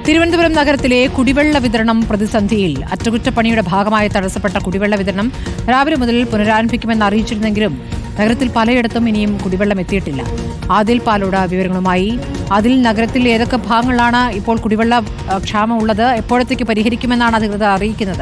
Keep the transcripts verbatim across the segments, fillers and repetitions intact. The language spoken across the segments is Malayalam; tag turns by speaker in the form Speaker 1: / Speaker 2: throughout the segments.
Speaker 1: തിരുവനന്തപുരം നഗരത്തിലെ കുടിവെള്ള വിതരണം പ്രതിസന്ധിയിൽ. അറ്റകുറ്റപ്പണിയുടെ ഭാഗമായി തടസ്സപ്പെട്ട കുടിവെള്ള വിതരണം രാവിലെ മുതൽ പുനരാരംഭിക്കുമെന്ന് അറിയിച്ചിരുന്നെങ്കിലും നഗരത്തിൽ പലയിടത്തും ഇനിയും കുടിവെള്ളം എത്തിയിട്ടില്ല. ആദിൽ പാലോട് വിവരങ്ങളുമായി. അതിൽ നഗരത്തിൽ ഏതൊക്കെ ഭാഗങ്ങളിലാണ് ഇപ്പോൾ കുടിവെള്ള ക്ഷാമം ഉള്ളത്? എപ്പോഴത്തേക്ക് പരിഹരിക്കുമെന്നാണ് അധികൃതർ അറിയിക്കുന്നത്?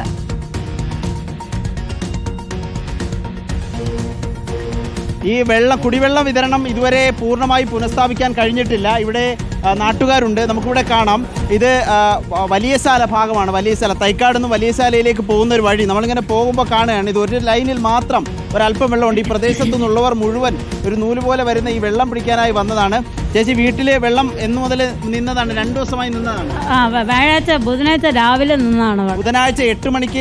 Speaker 2: ഈ വെള്ള കുടിവെള്ള വിതരണം ഇതുവരെ പൂർണ്ണമായി പുനഃസ്ഥാപിക്കാൻ കഴിഞ്ഞിട്ടില്ല. ഇവിടെ നാട്ടുകാരുണ്ട്, നമുക്കിവിടെ കാണാം. ഇത് വലിയശാല ഭാഗമാണ്. വലിയശാല തൈക്കാട് നിന്ന് വലിയശാലയിലേക്ക് പോകുന്ന ഒരു വഴി നമ്മളിങ്ങനെ പോകുമ്പോൾ കാണുകയാണ്. ഇത് ഒരു ലൈനിൽ മാത്രം ഒരല്പം വെള്ളമുണ്ട്. ഈ പ്രദേശത്തു നിന്നുള്ളവർ മുഴുവൻ ഒരു നൂല് പോലെ വരുന്ന ഈ വെള്ളം പിടിക്കാനായി വന്നതാണ്. ചേച്ചി, വീട്ടിലെ വെള്ളം എന്നു മുതൽ നിന്നതാണ്? രണ്ടു ദിവസമായി നിന്നതാണ്.
Speaker 3: വ്യാഴാഴ്ച ബുധനാഴ്ച രാവിലെ നിന്നതാണ്.
Speaker 2: ബുധനാഴ്ച എട്ട് മണിക്ക്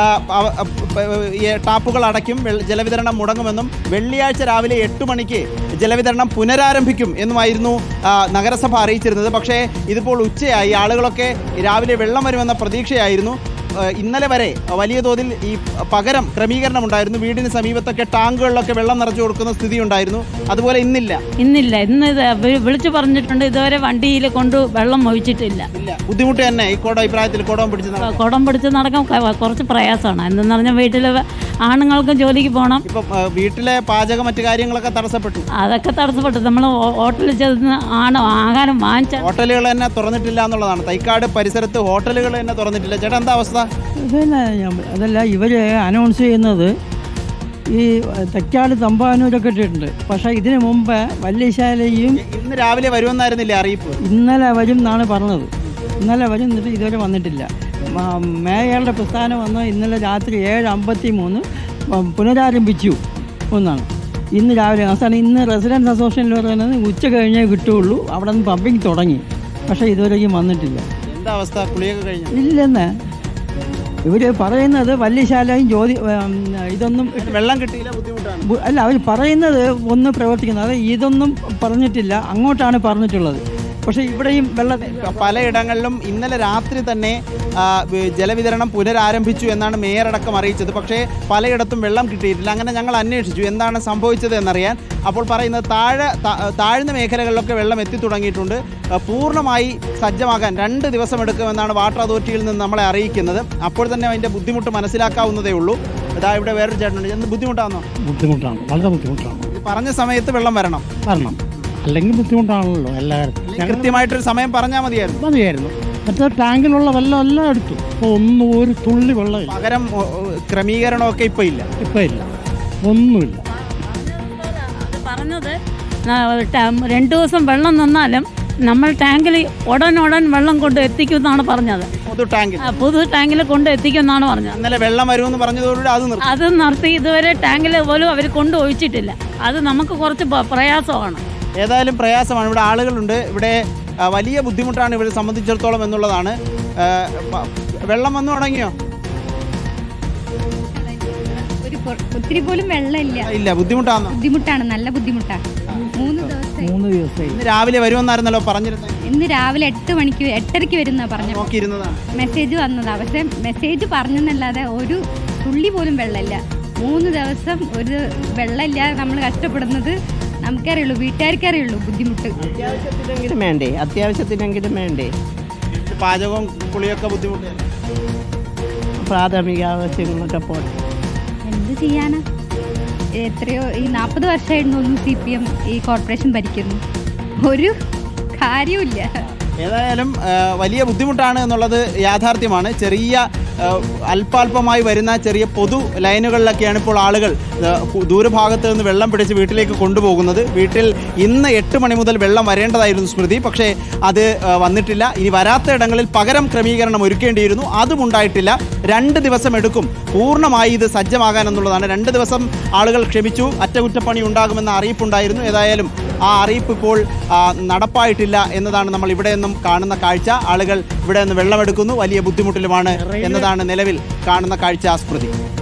Speaker 2: ടാപ്പുകൾ അടയ്ക്കും, ജലവിതരണം മുടങ്ങുമെന്നും വെള്ളിയാഴ്ച രാവിലെ എട്ട് മണിക്ക് ജലവിതരണം പുനരാരംഭിക്കും എന്നുമായിരുന്നു നഗരസഭ അറിയിച്ചിരുന്നത്. പക്ഷേ ഇതിപ്പോൾ ഉച്ചയായി. ആളുകളൊക്കെ രാവിലെ വെള്ളം വരുമെന്ന പ്രതീക്ഷയായിരുന്നു. ഇന്നലെ വരെ വലിയ തോതിൽ ഈ പകരം ക്രമീകരണം ഉണ്ടായിരുന്നു. വീടിന് സമീപത്തൊക്കെ ടാങ്കുകളിലൊക്കെ വെള്ളം നിറച്ചു കൊടുക്കുന്ന സ്ഥിതി ഉണ്ടായിരുന്നു. അതുപോലെ ഇന്നില്ല
Speaker 3: ഇന്നില്ല ഇന്ന് വിളിച്ചു പറഞ്ഞിട്ടുണ്ട്. ഇതുവരെ വണ്ടിയിൽ കൊണ്ട് വെള്ളം ഒഴിച്ചിട്ടില്ല.
Speaker 2: ഇല്ല, ബുദ്ധിമുട്ട് തന്നെ. ഈ കോടം അഭിപ്രായത്തിൽ കുടം പിടിച്ച്
Speaker 3: കുടം പിടിച്ച് നടക്കാൻ കുറച്ച് പ്രയാസമാണ്. എന്തെന്ന് പറഞ്ഞാൽ വീട്ടിൽ ആണുങ്ങൾക്കും ജോലിക്ക് പോകണം.
Speaker 2: ഇപ്പം വീട്ടിലെ പാചകം മറ്റു കാര്യങ്ങളൊക്കെ തടസ്സപ്പെട്ടു.
Speaker 3: അതൊക്കെ തടസ്സപ്പെട്ടു. നമ്മൾ ഹോട്ടലിൽ ചെന്ന് ആണ് ആഹാരം വാങ്ങിച്ച
Speaker 2: ഹോട്ടലുകൾ തന്നെ തുറന്നിട്ടില്ല എന്നുള്ളതാണ്. തൈക്കാട് പരിസരത്ത് ഹോട്ടലുകൾ തന്നെ തുറന്നിട്ടില്ല. ചേട്ടാ, എന്താ അവസ്ഥ?
Speaker 4: പിന്നെ അതല്ല, ഇവർ അനൗൺസ് ചെയ്യുന്നത് ഈ തൈക്കാട് തമ്പാനൂരൊക്കെ ഇട്ടിട്ടുണ്ട്. പക്ഷേ ഇതിനു മുമ്പ് വല്യശാലയും
Speaker 2: ഇന്ന് രാവിലെ വരുമെന്നായിരുന്നില്ലേ അറിയിപ്പ്?
Speaker 4: ഇന്നലെ വരും എന്നാണ് പറഞ്ഞത്. ഇന്നലെ വരും, എന്നിട്ട് ഇതുവരെ വന്നിട്ടില്ല. മേയറുടെ പ്രസ്ഥാനം വന്ന് ഇന്നലെ രാത്രി ഏഴ് അമ്പത്തി മൂന്ന് പുനരാരംഭിച്ചു എന്നാണ്. ഇന്ന് രാവിലെ അവസാനം ഇന്ന് റെസിഡൻസ് അസോസിയേഷനിൽ പറയുന്നത് ഉച്ച കഴിഞ്ഞേ കിട്ടുകയുള്ളൂ. അവിടെ നിന്ന് പമ്പിങ് തുടങ്ങി, പക്ഷേ ഇതുവരെയും വന്നിട്ടില്ല.
Speaker 2: എന്താ അവസ്ഥ? കുളിയൊക്കെ കഴിഞ്ഞു?
Speaker 4: ഇല്ലെന്ന് ഇവർ പറയുന്നത്. വല്യശാലയും ജ്യോതി ഇതൊന്നും
Speaker 2: വെള്ളം കിട്ടിയില്ല, ബുദ്ധിമുട്ടാണ്.
Speaker 4: അല്ല, അവർ പറയുന്നത് ഒന്ന് പ്രവർത്തിക്കുന്നത്. അത് ഇതൊന്നും പറഞ്ഞിട്ടില്ല, അങ്ങോട്ടാണ് പറഞ്ഞിട്ടുള്ളത്. പക്ഷേ ഇവിടെയും വെള്ളം
Speaker 2: പലയിടങ്ങളിലും ഇന്നലെ രാത്രി തന്നെ ജലവിതരണം പുനരാരംഭിച്ചു എന്നാണ് മേയർ അടക്കം അറിയിച്ചത്. പക്ഷേ പലയിടത്തും വെള്ളം കിട്ടിയിട്ടില്ല. അങ്ങനെ ഞങ്ങൾ അന്വേഷിച്ചു എന്താണ് സംഭവിച്ചത് എന്നറിയാൻ. അപ്പോൾ പറയുന്നത് താഴെ താഴ്ന്ന മേഖലകളിലൊക്കെ വെള്ളം എത്തി തുടങ്ങിയിട്ടുണ്ട്. പൂർണ്ണമായി സജ്ജമാകാൻ രണ്ട് ദിവസം എടുക്കുമെന്നാണ് വാട്ടർ അതോറിറ്റിയിൽ നിന്ന് നമ്മളെ അറിയിക്കുന്നത്. അപ്പോൾ തന്നെ അതിൻ്റെ ബുദ്ധിമുട്ട് മനസ്സിലാക്കാവുന്നതേ ഉള്ളൂ. അതാ ഇവിടെ വേറൊരു ചേട്ടനുണ്ട്. എന്ത് ബുദ്ധിമുട്ടാണോ?
Speaker 5: ബുദ്ധിമുട്ടാണ്, വളരെ ബുദ്ധിമുട്ടാണ്.
Speaker 2: പറഞ്ഞ സമയത്ത് വെള്ളം വരണം
Speaker 5: വരണം അല്ലെങ്കിൽ ബുദ്ധിമുട്ടാണല്ലോ. എല്ലാവർക്കും
Speaker 2: കൃത്യമായിട്ടൊരു സമയം പറഞ്ഞാൽ മതിയായിരുന്നു
Speaker 5: മതിയായിരുന്നു മറ്റേ ടാങ്കിലുള്ള വെള്ളം എല്ലാം എടുത്തു. ഇപ്പോൾ ഒന്നും ഒരു തുള്ളി വെള്ളം.
Speaker 2: പകരം ക്രമീകരണമൊക്കെ ഇപ്പം ഇല്ല.
Speaker 5: ഇപ്പം ഇല്ല, ഒന്നുമില്ല.
Speaker 3: പറഞ്ഞത് രണ്ടു ദിവസം വെള്ളം നിന്നാലും നമ്മൾ ടാങ്കിൽ ഉടൻ ഉടൻ വെള്ളം കൊണ്ട് എത്തിക്കുമെന്നാണ് പറഞ്ഞത്.
Speaker 2: പൊതു ടാങ്കിൽ
Speaker 3: പൊതു ടാങ്കിൽ കൊണ്ട് എത്തിക്കുമെന്നാണ് പറഞ്ഞത്.
Speaker 2: ഇന്നലെ വെള്ളം വരുമെന്ന് പറഞ്ഞതോടുകൂടി അത്
Speaker 3: അത് നിർത്തി. ഇതുവരെ ടാങ്കിൽ പോലും അവർ കൊണ്ട് ഒഴിച്ചിട്ടില്ല. അത് നമുക്ക് കുറച്ച് പ്രയാസമാണ്.
Speaker 2: ഏതായാലും പ്രയാസമാണ്. ഇവിടെ ആളുകളുണ്ട്. ഇവിടെ വലിയ ബുദ്ധിമുട്ടാണ് ഇവരെ സംബന്ധിച്ചിടത്തോളം എന്നുള്ളതാണ്. വെള്ളം വന്നു തുടങ്ങിയോ?
Speaker 6: ഒത്തിരി പോലും വെള്ളമില്ല.
Speaker 2: ഇല്ല, ബുദ്ധിമുട്ടാണ്.
Speaker 6: ബുദ്ധിമുട്ടാണ്, നല്ല ബുദ്ധിമുട്ടാണ്. മൂന്ന് ദിവസം
Speaker 4: മൂന്ന് ദിവസമായി.
Speaker 2: ഇന്ന് രാവിലെ വരുമെന്നായിരുന്നല്ലോ പറഞ്ഞിരുന്നത്.
Speaker 6: ഇന്ന് രാവിലെ എട്ട് മണിക്ക് എട്ടരയ്ക്ക് വരുന്ന പറഞ്ഞു
Speaker 2: നോക്കിയിരുന്നതാണ്.
Speaker 6: മെസ്സേജ് വന്നതാ. പക്ഷെ മെസ്സേജ് പറഞ്ഞെന്നല്ലാതെ ഒരു തുള്ളി പോലും വെള്ളമില്ല. മൂന്ന് ദിവസം ഒരു വെള്ളമില്ല. നമ്മൾ കഷ്ടപ്പെടുന്നത് നമുക്കറിയുള്ളൂ, വീട്ടുകാർക്കറിയുള്ളൂ ബുദ്ധിമുട്ട്.
Speaker 7: അത്യാവശ്യത്തിനെങ്കിലും വേണ്ടേ അത്യാവശ്യത്തിനെങ്കിലും വേണ്ടേ
Speaker 2: പാചകവും കുളിയൊക്കെ ബുദ്ധിമുട്ട്.
Speaker 7: പ്രാഥമിക ആവശ്യങ്ങളൊക്കെ പോട്ടെ,
Speaker 6: എന്ത് ചെയ്യാനാ? എത്രയോ ഈ നാൽപ്പത് വർഷമായിരുന്നു ഒന്നും സി പി എം ഈ കോർപ്പറേഷൻ ഭരിക്കുന്നു. ഒരു കാര്യമില്ല.
Speaker 2: ഏതായാലും വലിയ ബുദ്ധിമുട്ടാണ് എന്നുള്ളത് യാഥാർത്ഥ്യമാണ്. ചെറിയ അല്പാൽപമായി വരുന്ന ചെറിയ പൊതു ലൈനുകളിലൊക്കെയാണ് ഇപ്പോൾ ആളുകൾ ദൂരഭാഗത്ത് നിന്ന് വെള്ളം പിടിച്ച് വീട്ടിലേക്ക് കൊണ്ടുപോകുന്നത്. വീട്ടിൽ ഇന്ന് എട്ട് മണി മുതൽ വെള്ളം വരേണ്ടതായിരുന്നു സ്മൃതി, പക്ഷേ അത് വന്നിട്ടില്ല. ഇനി വരാത്ത ഇടങ്ങളിൽ പകരം ക്രമീകരണം ഒരുക്കേണ്ടിയിരുന്നു, അതും ഉണ്ടായിട്ടില്ല. രണ്ട് ദിവസം എടുക്കും പൂർണ്ണമായി ഇത് സജ്ജമാകാൻ എന്നുള്ളതാണ്. രണ്ട് ദിവസം ആളുകൾ ക്ഷമിച്ചു. അറ്റകുറ്റപ്പണി ഉണ്ടാകുമെന്ന അറിയിപ്പുണ്ടായിരുന്നു. ഏതായാലും ആ അറിയിപ്പ് ഇപ്പോൾ നടപ്പായിട്ടില്ല എന്നതാണ് നമ്മൾ ഇവിടെ നിന്നും കാണുന്ന കാഴ്ച. ആളുകൾ ഇവിടെ നിന്ന് വെള്ളമെടുക്കുന്നു, വലിയ ബുദ്ധിമുട്ടിലുമാണ് എന്നതാണ് നിലവിൽ കാണുന്ന കാഴ്ച. സ്മൃതി.